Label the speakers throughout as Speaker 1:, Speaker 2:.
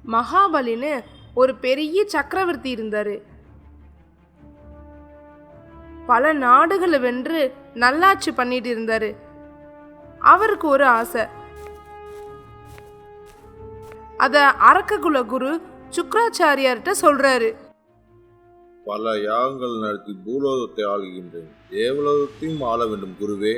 Speaker 1: மகாபலின்னு ஒரு பெரிய சக்கரவர்த்தி இருந்தாரு. பல நாடுகளை வென்று நல்லாட்சி பண்ணிட்டு இருந்தாரு. அவருக்கு ஒரு ஆசை. அத அரக்ககுல குரு சுக்ராச்சாரியார்கிட்ட சொல்றாரு.
Speaker 2: பல யாகங்கள் நடத்தி பூலோகத்தை ஆளுகின்றேன், தேவலோகத்தையும் ஆள வேண்டும் குருவே.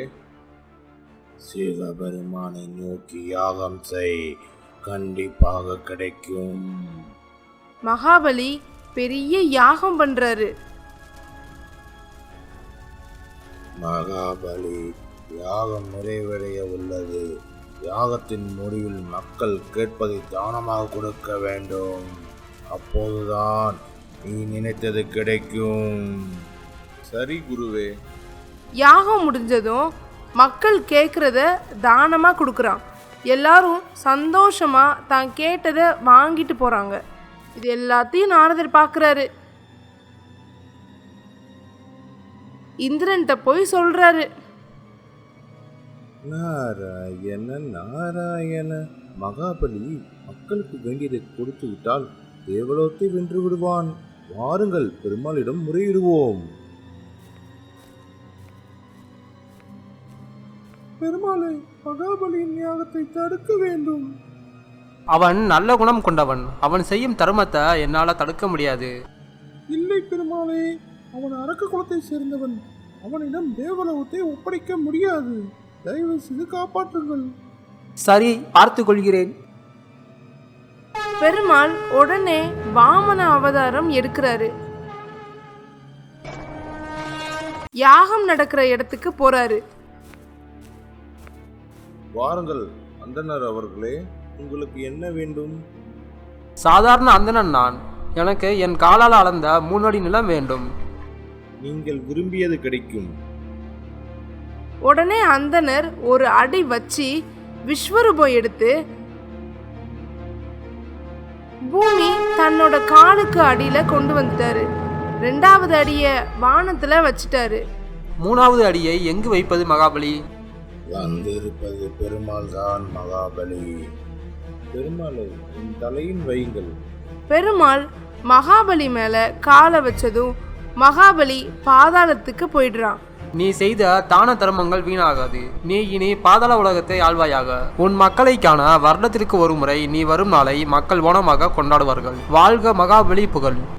Speaker 2: சிவபெருமானை நோக்கி யாகம் செய், கண்டிப்பாக கிடைக்கும்.
Speaker 1: மகாபலி பெரிய யாகம் பண்றாரு.
Speaker 2: மகாபலி, யாகம் நிறைவடைய உள்ளது. யாகத்தின் முடிவில் மக்கள் கேட்பதை தானமாக கொடுக்க வேண்டும். அப்போதுதான் நீ நினைத்தது கிடைக்கும். சரி குருவே.
Speaker 1: யாகம் முடிஞ்சதும் மக்கள் கேட்கறத தானமா கொடுக்குறான். எல்லாரும் சந்தோஷமா தான் கேட்டதை வாங்கிட்டு போறாங்க. இது எல்லாத்தையும் நாரதர் பார்க்குறாரு. இந்திரன்கிட்ட போய் சொல்றாரு.
Speaker 2: நாராயண நாராயண, மகாபலி மக்களுக்கு வேண்டியதை கொடுத்து விட்டால் தேவலோகத்தை வென்று விடுவான். வாருங்கள், பெருமாளிடம் முறையிடுவோம். பெருமாளை, மகாபலியின் யாகத்தை தடுக்க வேண்டும்.
Speaker 3: அவன் நல்ல குணம் கொண்டவன். அவன் செய்யும் தர்மத்தை என்னால தடுக்க முடியாது.
Speaker 2: இல்லை பெருமாளே, அவன் அரக்க குலத்தை சேர்ந்தவன். அவனிடம் தேவலோகத்தை ஒப்படைக்க முடியாது. தயவு செய்து காப்பாற்றுங்கள்.
Speaker 3: சரி, பார்த்து கொள்கிறேன்.
Speaker 1: பெருமாள் உடனே வாமன அவதாரம் எடுக்கிறாரு. யாகம் நடக்கிற இடத்துக்கு போறாரு.
Speaker 2: வாருங்கள் அந்தனர் அவர்களே, உங்களுக்கு என்ன வேண்டும்?
Speaker 3: சாதாரண அந்தணன் நான். எனக்கு என் காலால் அளந்த 3 அடி நிலம் வேண்டும்.
Speaker 2: நீங்கள் விரும்பியது கிடைக்கும்.
Speaker 1: உடனே அந்தனர் ஒரு அடி வச்சு விஸ்வரூபம் எடுத்து பூமி தன்னோட காலுக்கு அடியில கொண்டு வந்துட்டாரு. 2வது அடிய வானத்துல வச்சிட்டாரு.
Speaker 3: 3வது அடியை எங்கு வைப்பது மகாபலி?
Speaker 2: வந்திருப்பது பெருமாள் தான் மகாபலி. பெருமாளை என் தலையின் வையுங்கள்.
Speaker 1: பெருமாள் மகாபலி மேல காலை வச்சதும் மகாபலி பாதாளத்துக்கு போயிடுறான்.
Speaker 3: நீ செய்த தான தர்மங்கள் வீணாகாது. நீ இனி பாதாள உலகத்தை ஆள்வாயாக. உன் மக்களை காண வருடத்திற்கு ஒரு முறை நீ வரும் நாளை மக்கள் ஓணமாக கொண்டாடுவார்கள். வாழ்க மகாபலி புகழ்.